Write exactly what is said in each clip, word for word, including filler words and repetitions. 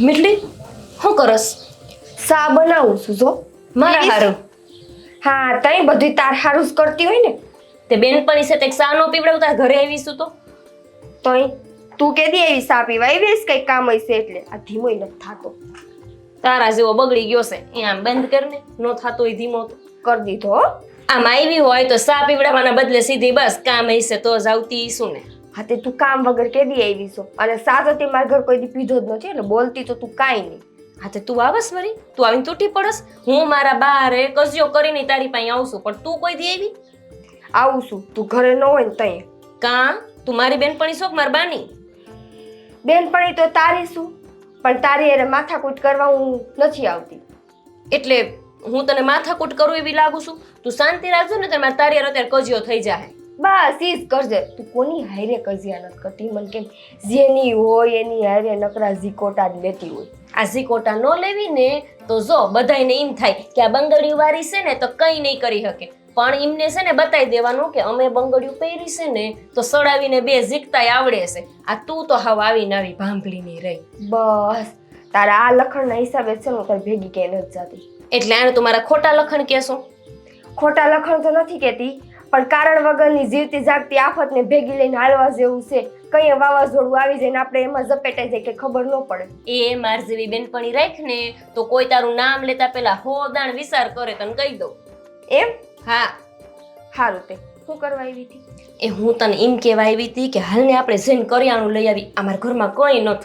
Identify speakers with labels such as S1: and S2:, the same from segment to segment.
S1: મીઠડી શું કરસ?
S2: સા બનાવું છું જો
S1: મારા હારું.
S2: હા તઈ બધું તાર હારું જ કરતી હોય ને.
S1: તે બેનપણી છે તે સા નો પીવડાવ તાર ઘરે આવીશું તો
S2: તઈ તું કેદી આવી સા પીવા આવીશ કઈ કામ હશે એટલે આ ધીમોય નથી થાતો.
S1: તારા જેવો બગડી ગયો છે એ આમ બંધ કરને નો થાતો હોય ધીમો તો
S2: કરી દીધો હો.
S1: આમ આવી હોય તો સા પીવડાવવાના બદલે સીધી બસ કામ હશે તો જ આવતી શું ને.
S2: હા તે તું કામ વગર કેદી આવી છો અને સા તો તે મારા ઘર કોઈ દી પીધો જ નથી એટલે બોલતી તો તું કાંઈ નહીં.
S1: હા તે તું આવસ વરી તું આવીને તૂટી પડસ. હું મારા બારે કજિયો કરીને તારી પાસે આવશું પણ તું કોઈ દી આવી?
S2: આવું છું તું ઘરે ન હોય ને તઈ.
S1: કાં તું મારી બેનપણી છો કે મારી બાની?
S2: બેનપણી તો તારી શું પણ તારી એને માથાકૂટ કરવા હું નથી આવતી.
S1: એટલે હું તને માથાકૂટ કરું એવી લાગુ છું? તું શાંતિ રાખજો ને તમારે તારી હારે અત્યારે કજિયો થઈ જાય.
S2: બસ ઈ જ કરજે. તું કોની હારે કજિયા નથી કરતી મને કેમ જેની હોય એની હારે નકરા ઝીકોટા જ લેતી હોય.
S1: આ ઝીકોટા ન લેવી ને તો જો બધાયને એમ થાય કે આ બંગડીયું વાળી છે ને તો કંઈ નહીં કરી શકે પણ એમને છે ને બતાવી દેવાનું કે અમે બંગડીયું પહેરી છે ને તો સડાવીને બે ઝીકતાય આવડે છે. આ તું તો હાવ આવીને આવી ભાંભળી નહીં રહી.
S2: બસ તારા આ લખણના હિસાબે છે ને તારી ભેગી ક્યાંય નથી જાતી.
S1: એટલે આને તું મારા ખોટા લખણ કહેશો?
S2: ખોટા લખણ તો નથી કહેતી પણ કારણ વગરની જીવતી જાગતી આફતને ભેગી લઈને હાલવા જેવું છે. કઈ વાવાઝોડું આવી જાય ને આપણે એમાં ઝપેટાઈ જાય કે ખબર ન પડે.
S1: એ માર જેવી બેનપણી રાખ ને તો કોઈ તારું નામ લેતા પેલા હો દાણ વિચાર કરે તને કહી દઉં.
S2: એમ?
S1: હા
S2: સારું તે શું કરવા આવી હતી?
S1: એ હું તને એમ કહેવા આવી હતી કે હાલને આપણે જઈને કરિયાણું લઈ આવી. અમારા ઘરમાં કંઈ નતું.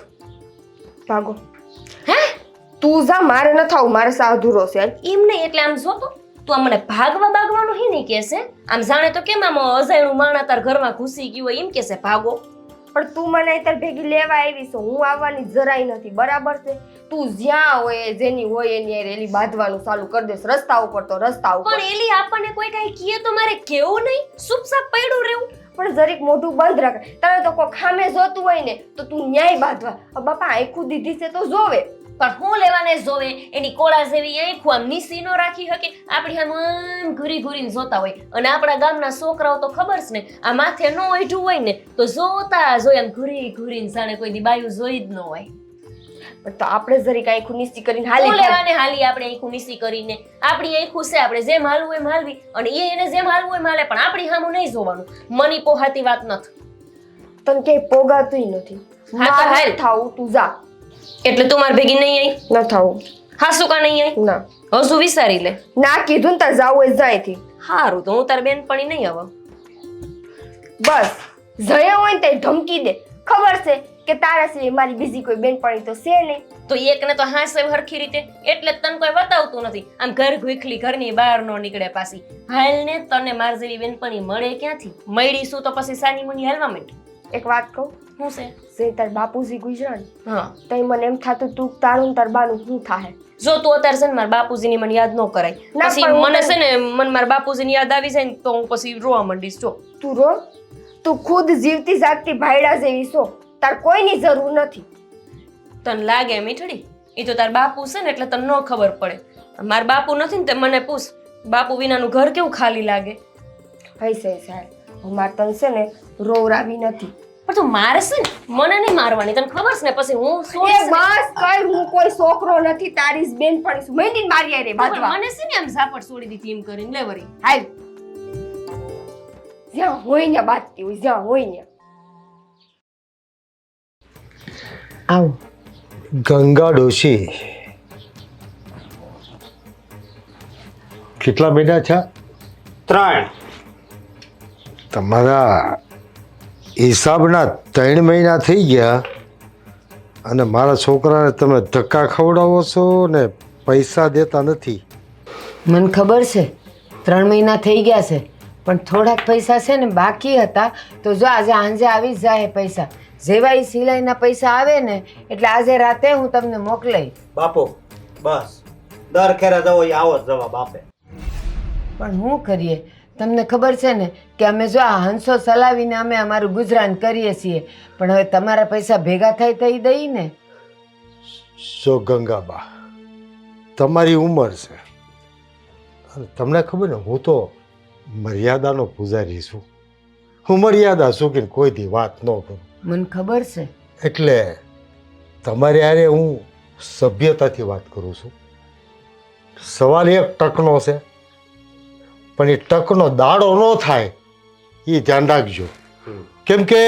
S2: ભાગો.
S1: હે
S2: તું જા મારે ન થાવ મારે સા અધૂરો છે.
S1: એમ નહીં એટલે આમ જોતો તું આમ મને ભાગવા ભાગવાનું હી નહીં કહેશે. આમ જાણે તો કેમ આમ અજાણ્યું માણા તાર ઘરમાં ઘૂસી ગયું હોય એમ કહેશે ભાગો.
S2: પણ તું મને અત્યારે ભેગી લેવા આવી છો હું આવવાની જરાય નથી બરાબર છે. તું જ્યાં હોય જેની હોય એની હારે એલી બાંધવાનું ચાલુ કરી દેશ રસ્તા ઉપર તો રસ્તા ઉપર.
S1: પણ એલી આપણને કોઈ કઈ કહે તો મારે કેવું નહીં ચૂપચાપ પડ્યું રહેવું.
S2: પણ જરીક મોઢું બંધ રાખ. તારે તો કોઈ ખામે જોતું હોય ને તો તું ન્યાય બાંધવા. બાપા આંખું દીધી છે તો જોવે.
S1: પણ હું લેવાને જોવે એની કોળા જેવી આંખું આમ નીસી નો રાખી શકે. આપણી આમ ઘૂરી ઘૂરીને જોતા હોય અને આપણા ગામના છોકરાઓ તો ખબર છે ને આ માથે ન ઓઢું હોય ને તો જોતા જોઈ આમ ઘૂરી ઘૂરીને જાણે કોઈ દી બાયું જોઈ જ ન હોય.
S2: પણ તો આપણે જરીક આંખું નીસી કરીને હાલી
S1: હું લેવાને હાલી આપણે આંખું નીસી કરીને આપણી આંખું છે આપણે જેમ હાલવું એમ હાલવી અને એ એને જેમ હાલવું એમ હાલે પણ આપણી સામું નહીં જોવાનું. મની પોહાતી વાત નથી.
S2: તને ક્યાંય પોગાતું નથી.
S1: હા તો હાલ
S2: થાવું તું જા.
S1: એટલે તું માર ભેગી નહીં આવી?
S2: ન થાવું.
S1: હા શું કા નહીં આવી?
S2: ના
S1: હજુ વિચારી લે.
S2: ના કીધું ને તાર જાવું હોય જાય થી.
S1: હારું તો હું તાર બેનપણી નહીં આવ.
S2: બસ જયા હોય ને તે ધમકી દે. ખબર છે કે તારા સિવાય મારી બીજી કોઈ બેનપણી તો છે નહીં.
S1: તો એકને તો હાસે હરખી રીતે એટલે જ તને કોઈ બતાવતું નથી. આમ ઘર ઘુખલી ઘરની બહાર નો નીકળે પાછી. હાલ ને તને માર જેવી બેનપણી મળે ક્યાંથી? મળીશું તો પછી સાની મુની હાલવા માંડ.
S2: એક વાત કહું
S1: શું છે?
S2: જે તાર બાપુજી ગુજરાત
S1: હા
S2: તઈ મને એમ થાતું તું તારું તાર બાનું શું થાહે.
S1: જો તું અત્યારે છે ને મારા બાપુજીની મને યાદ ન કરાય
S2: ના,
S1: પછી
S2: પણ હું
S1: મને
S2: તને-
S1: છે ને મને મારા બાપુજીની યાદ આવી જાય ને તો હું પછી રોવા માંડીશ. જો
S2: તું રો તું ખુદ જીવતી જાગતી ભાઈડા જેવી છો. તાર કોઈની જરૂર નથી.
S1: તને લાગે મીઠડી એ તો તાર બાપુ છે ને એટલે તને ન ખબર પડે. મારા બાપુ નથી ને તે મને પૂછ બાપુ વિનાનું ઘર કેવું ખાલી લાગે.
S2: હઈ સહી સાહેબ હું માર તને છે ને રોવરાવી નથી.
S1: પણ તું મારે છે ને મને નહીં મારવાની તને ખબર છે ને પછી હું શું
S2: એ બસ કઈ હું કોઈ છોકરો નથી તારી જ બેનપણી છું. મહિની મારી આરે બાજવા.
S1: મને છે ને આમ ઝાપટ છોડી દીધી એમ કરીને લે વરી.
S2: હાલ જ્યાં હોય ને બાજતી હોય જ્યાં હોય ને.
S3: આવો ગંગા ડોશી કેટલા મહિના છે?
S4: ત્રણ.
S3: તમારા હિસાબના ત્રણ મહિના થઈ ગયા અને મારા છોકરાને તમે ધક્કા ખવડાવો છો ને પૈસા દેતા નથી.
S5: મને ખબર છે ત્રણ મહિના થઈ ગયા છે પણ થોડાક પૈસા છે ને બાકી હતા તો જો આજે સાંજે આવી જ જાય પૈસા. જેવા એ સિલાઈના પૈસા આવે ને એટલે આજે રાતે હું તમને મોકલાઈ.
S4: બાપુ બસ દર ખેરે જવો એ આવો જ જવાબ આપે.
S5: પણ શું કરીએ તમને ખબર છે ને કે અમે જો આ હંસો ચલાવીને અમે અમારું ગુજરાન કરીએ છીએ પણ હવે તમારા પૈસા ભેગા થાય થઈ દઈ ને.
S3: સો ગંગાબા તમારી ઉંમર છે અને તમને ખબર ને હું તો મર્યાદાનો પૂજારી છું. હું મર્યાદા ચૂકીને કોઈ દી વાત ન કરું.
S5: મને ખબર છે.
S3: એટલે તમારી હારે હું સભ્યતાથી વાત કરું છું. સવાલ એક ટકનો છે, પણ એ ટકનો દાડો ન થાય એ ધ્યાન રાખજો. કેમ કે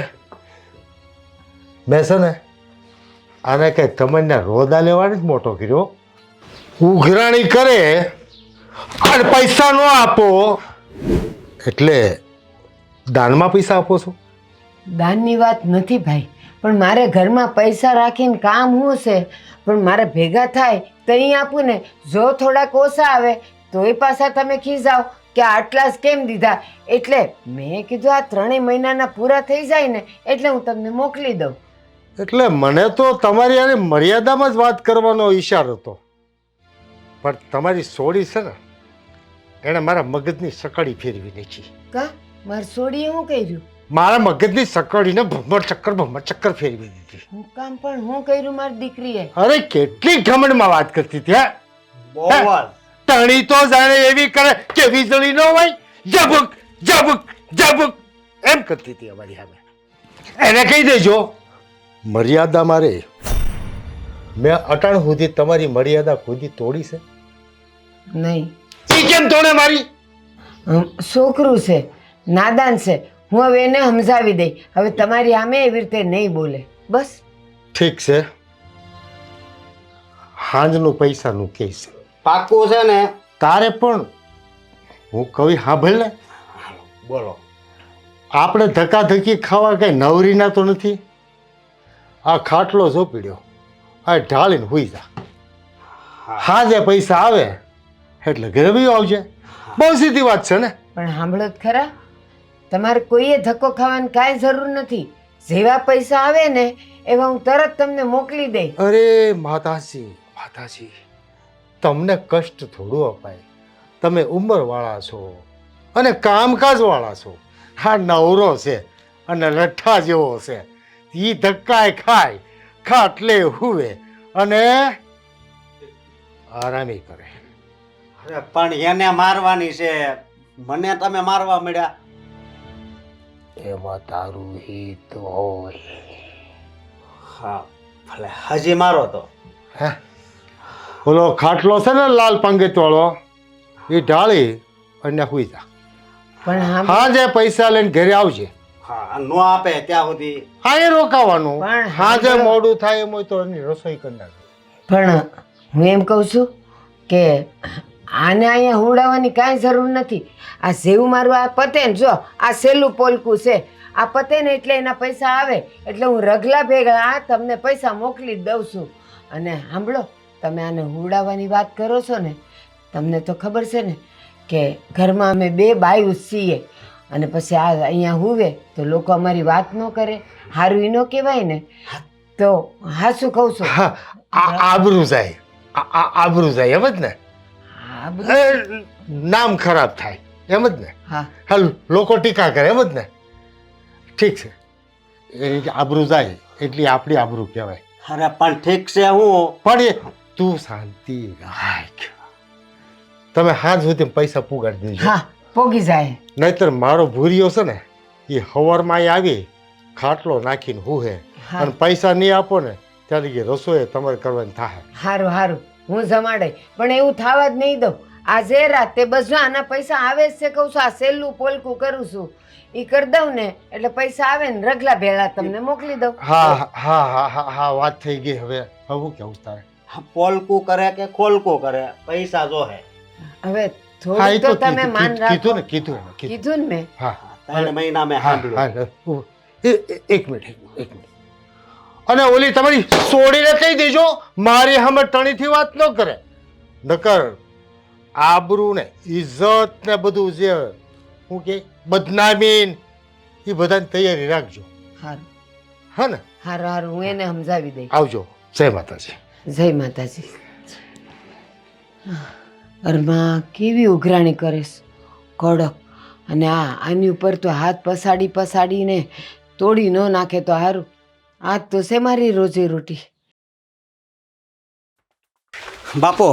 S3: મેં છે ને આને કંઈ તમને રોદા લેવાની જ મોટો કર્યો. ઉઘરાણી કરે અને પૈસા ન આપો એટલે દાનમાં પૈસા આપો છો.
S5: દાનની વાત નથી ભાઈ, પણ મારે ઘરમાં પૈસા રાખીને કામ શું છે? પણ મારે ભેગા થાય તો અહીં આપું ને. જો થોડાક ઓછા આવે તો એ પાછા તમે ખીજાવ કે આટલા જ કેમ દીધા. એટલે મેં કીધું આ ત્રણેય મહિનાના પૂરા થઈ જાય ને એટલે હું તમને મોકલી દઉં.
S3: એટલે મને તો તમારી યાર મર્યાદામાં જ વાત કરવાનો ઈશારો હતો, પણ તમારી સોડી છે ને એણે મારા મગજની સકડી ફેરવી નાખી.
S5: કા મારી સોડીએ શું કર્યું?
S3: મારા મગજની સકડીને ભમર ચક્કર ભમર ચક્કર ફેરવી દીધી.
S5: હું કામ પણ હું કર્યું મારી દીકરીએ?
S3: અરે કેટલી ઘમંડમાં વાત કરતી હતી. હા,
S4: બહુ જ.
S3: તણી તો જાણે એવી કરે કે વીજળી ન હોય, જબુક જબુક જબુક એમ કરતી હતી અમારી સામે. એને કહી દેજો મર્યાદા મારે. મેં અટાણ સુધી તમારી મર્યાદા ખુદી તોડી છે?
S5: નહીં.
S3: એ કેમ તોડે મારી?
S5: હમ, છોકરું છે, નાદાન છે. હું હવે એને સમજાવી દઈ. હવે તમારી સામે એવી રીતે નહીં બોલે. બસ.
S3: ઠીક છે, હાંજનું પૈસાનું કેસ
S4: પાક્કું છે ને?
S3: તારે પણ હું કવિ સાંભળ ને.
S4: બોલો.
S3: આપણે ધક્કાધક્કી ખાવા કઈ નવરીના તો નથી. આ ખાટલો ઝોપડ્યો, આ ઢાળીને હુઈ જા. હાજે પૈસા આવે એટલે ઘરે બી આવજે. બહુ સીધી વાત છે ને.
S5: પણ સાંભળો જ ખરા, તમારે કોઈએ ધક્કો ખાવાની કાંઈ જરૂર નથી. જેવા પૈસા આવે ને એવા હું તરત તમને મોકલી દઈ.
S3: અરે માતાજી માતાજી, તમને કષ્ટ થોડું અપાય. તમે ઉંમરવાળા છો અને કામકાજવાળા છો. હા નવરો છે અને લઠ્ઠા જેવો છે. એ ધક્કાય ખાય, ખાટલે હુવે અને આરામી કરે.
S4: અરે પણ એને મારવાની છે, મને તમે મારવા મળ્યા.
S3: એમાં તારું હિત હોય.
S4: હા ભલે હજી મારો તો.
S3: હે ઓલો ખાટલો છે ને લાલ પંગીત વાળો, એ ઢાળી અને હુઈ જા.
S5: પણ સાંભળો-
S3: હા જે પૈસા લઈને ઘરે આવજે.
S4: હા નો આપે ત્યાં સુધી
S3: હા એ રોકાવાનું.
S5: પણ
S3: હા જે
S5: સાંભળો-
S3: મોડું થાય એમ હોય તો એની રસોઈ કરી નાખે.
S5: પણ હું એમ કહું છું કે આને અહીંયા હુડાવવાની કાંઈ જરૂર નથી. આ જેવું મારું આ પતે ને, જો આ સહેલું પોલકું છે, આ પતે ને એટલે એના પૈસા આવે એટલે હું રગલા ભેગા આ તમને પૈસા મોકલી જ દઉં છું. અને સાંભળો, તમે આને હુડાવવાની વાત કરો છો ને, તમને તો ખબર છે ને કે ઘરમાં અમે બે બાયું જ છીએ, અને પછી આ અહીંયા હુવે તો લોકો અમારી વાત ન કરે, સારું ઈ ન કહેવાય ને. તો હા શું કહું છું?
S3: હા આ આબરૂ જાય, આ આ આબરૂ જાય એમ જ ને.
S5: આ બધું
S3: એ, નામ ખરાબ થાય એમ જ ને.
S5: હા
S3: હા લોકો ટીકા કરે એમ જ ને. ઠીક છે, એ રીતે આબરૂ જાય એટલી આપણી આબરૂ કહેવાય.
S4: અરે પણ ઠીક છે. હું
S3: પણ એ તું શાંતિ રાખ. તમે હાથ સુધી પૈસા પુગાડી દેજો.
S5: હા પોગી જાય.
S3: નહીતર મારો ભૂરિયો છે ને એ હવારમાં આવી ખાટલો નાખીને હુહે,
S5: હા.
S3: અને પૈસા નહીં આપો ને ત્યારે કે રસોઈ તમારે કરવાની થાય.
S5: હારું હારું હું જમાડે, પણ એવું થવા જ નહીં દઉં. આજે રાતે બસ જો આના પૈસા આવે જ છે, કહું છું આ સહેલું પોલકું કરું છું એ કરી દઉં ને એટલે પૈસા આવે ને રગલા ભેળા તમને મોકલી દઉં.
S3: હા હા હા હા હા વાત થઈ ગઈ. હવે હવે હું કેવું તારે?
S4: પોલકું કરે કે ખોલકું કરે, પૈસા જોહે.
S5: હવે
S3: હા એ
S5: થોડું
S3: તો
S5: તો તમે
S3: કીધું
S5: માન
S3: કીધું
S5: રાખો.
S3: ને કીધું એને કીધું.
S5: કીધું ને મેં.
S3: હા
S4: ત્રણ મહિના મેં
S3: હા
S4: સાંભળ્યું.
S3: હા ઉ- એ- એ- એક મિનિટ એક મિનિટ, એક મિનિટ. અને ઓલી તમારી સોડીને કહી દેજો મારી સામે ટણીથી વાત ન કરે. નકર આબરૂ ને ઇજ્જત ને બધું જે હું કે બદનામી એ બધાની તૈયારી રાખજો.
S5: હારું
S3: હા ને?
S5: હારું હારું હું એને સમજાવી દઈ.
S3: આવજો. જય માતાજી.
S5: જય માતાજી. અરમાં કેવી ઉઘરાણી કરીશ, કડક. અને આ આની ઉપર તો હાથ પસાડી પસાડીને તોડી ન નાખે તો સારું. આજ તો છે મારી રોજી રોટી.
S4: બાપુ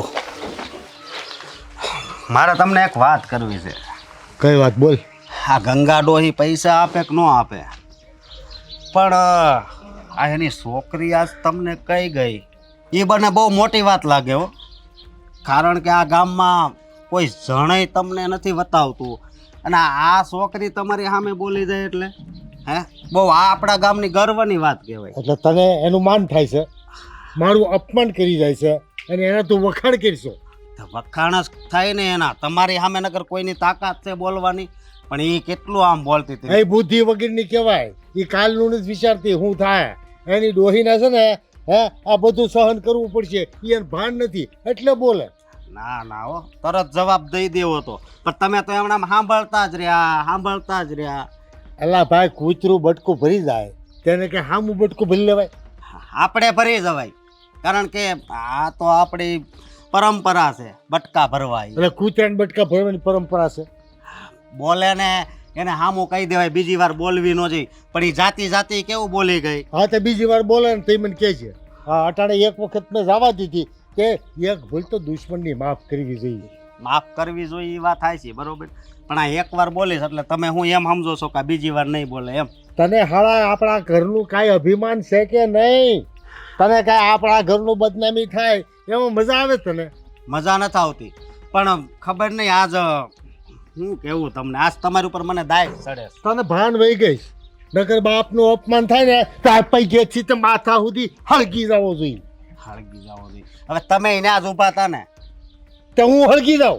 S4: મારે તમને એક વાત કરવી છે.
S3: કઈ વાત બોલ.
S4: આ ગંગા ડોહી પૈસા આપે કે ન આપે, પણ આ એની છોકરી આજ તમને કઈ ગઈ એ બને બહુ મોટી વાત લાગે હો. કારણ કે આ ગામમાં કોઈ જણય તમને નથી બતાવતું અને આ છોકરી તમારી સામે બોલી જાય એટલે હે બહુ આ આપણા ગામની ગર્વની વાત કહેવાય.
S3: એટલે તને એનું માન થાય છે, મારું અપમાન કરી જાય છે અને એના તું વખાણ કરશો.
S4: તો વખાણ જ થાય ને એના. તમારી સામે નગર કોઈની તાકાત છે બોલવાની, પણ એ કેટલું આમ બોલતી હતી.
S3: એ બુદ્ધિ વગરની કહેવાય. એ કાલનું નથી વિચારતી હું થાય. એની ડોહીના છે ને હે આ બધું સહન કરવું પડશે, એને ભાન નથી એટલે બોલે.
S4: ના ના હો, તરત જવાબ દઈ દેવો તો. પણ તમે તો એમણામ સાંભળતા જ રહ્યા સાંભળતા જ રહ્યા.
S3: અલા ભાઈ, કૂતરું બટકું ભરી જાય તેને કે હામું બટકું ભરી લેવાય?
S4: આપણે ભરી જવાય, કારણ કે આ તો આપણી પરંપરા છે બટકા ભરવા.
S3: એટલે કૂતરાને બટકા ભરવાની પરંપરા છે.
S4: બોલે ને એને હામું કહી દેવાય, બીજી વાર બોલવી ન જોઈએ. પણ એ જાતિ જાતિ કેવું બોલી ગઈ.
S3: હા તો બીજી વાર બોલે ને તે મને કહે છે. હા, અટાણે એક વખત મેં જવા દીધી કે એક ભૂલ તો દુશ્મનની માફ કરવી જોઈએ.
S4: માફ કરવી જોઈએ એ વાત થાય છે બરોબર, પણ આ એક વાર બોલીશ એટલે તમે હું એમ સમજો છો કે બીજી વાર નહીં બોલે એમ?
S3: તને હાળા આપણા ઘરનું કાંઈ અભિમાન છે કે નહીં? તને કાંઈ આપણા ઘરનું બદનામી થાય એમાં મજા આવે તને?
S4: મજા નથી આવતી, પણ ખબર નહીં આજ શું કેવું તમને, આજ તમારી ઉપર મને દાય ચડે.
S3: તને ભાન વહી ગઈ. નકર બાપનું અપમાન થાય ને તો આ પૈકેથી તો માથા સુધી હળગી જવો જોઈએ.
S4: હળગી જાવ જોઈએ. હવે તમે એને જ ઊભા હતા ને,
S3: તો હું હળગી જાઉં?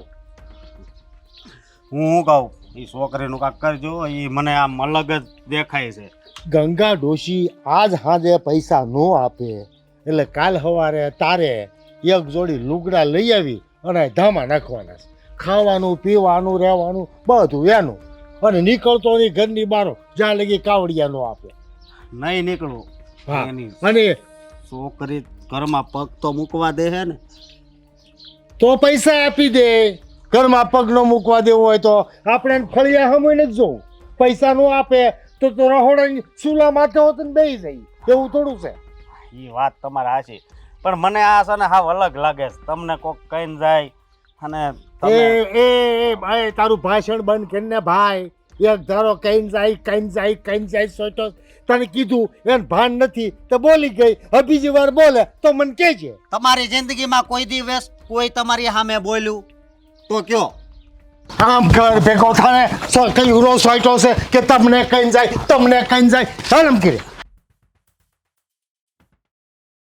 S4: હું શું કહું, એ છોકરીનું કાંક કરજો, એ મને આમ અલગ જ દેખાય છે.
S3: ગંગા ડોશી આજ સાંજે પૈસા ન આપે એટલે કાલ સવારે તારે એક જોડી લુગડા લઈ આવી અને ધામા નાખવાના છે. ખાવાનું પીવાનું રહેવાનું બધું એનું, અને નીકળતો નહીં ઘરની બારો જ્યાં લગી કાવડિયા ન આપે.
S4: નહીં નીકળવું.
S3: હા,
S4: એની
S3: અને
S4: છોકરી ઘરમાં પગ તો મૂકવા દે છે ને,
S3: તો પૈસા આપી દે. ઘરમાં પગ ન મૂકવા દેવો હોય તો આપણે એને ફળિયા હમું જ જોવું. પૈસા ન આપે તો તો રહોડાની ચૂલા માથે હોત ને બેસી જાય. એવું થોડું છે?
S4: એ વાત તમારે હાચી, પણ મને આ છે ને હાવ અલગ લાગે છે. તમને કોક કહીને જાય અને
S3: એ
S4: તમે
S3: એ એ ભાઈ, તારું ભાષણ બંધ કરીને ભાઈ. એક ધારો કહીને જાય કહીને જાય કહીને જાય સોચો. તને કીધું એને ભાન નથી તો બોલી ગઈ. હવે બીજી વાર બોલે તો મને કહેજે.
S4: તમારી જિંદગીમાં કોઈ દિવસ કોઈ તમારી સામે બોલ્યું તો કયો?
S3: આમ કર ભેગો થાને કઈ ઉરો સોચો છે કે તમને કહીને જાય તમને કહીને જાય. ચાલ એમ કરે.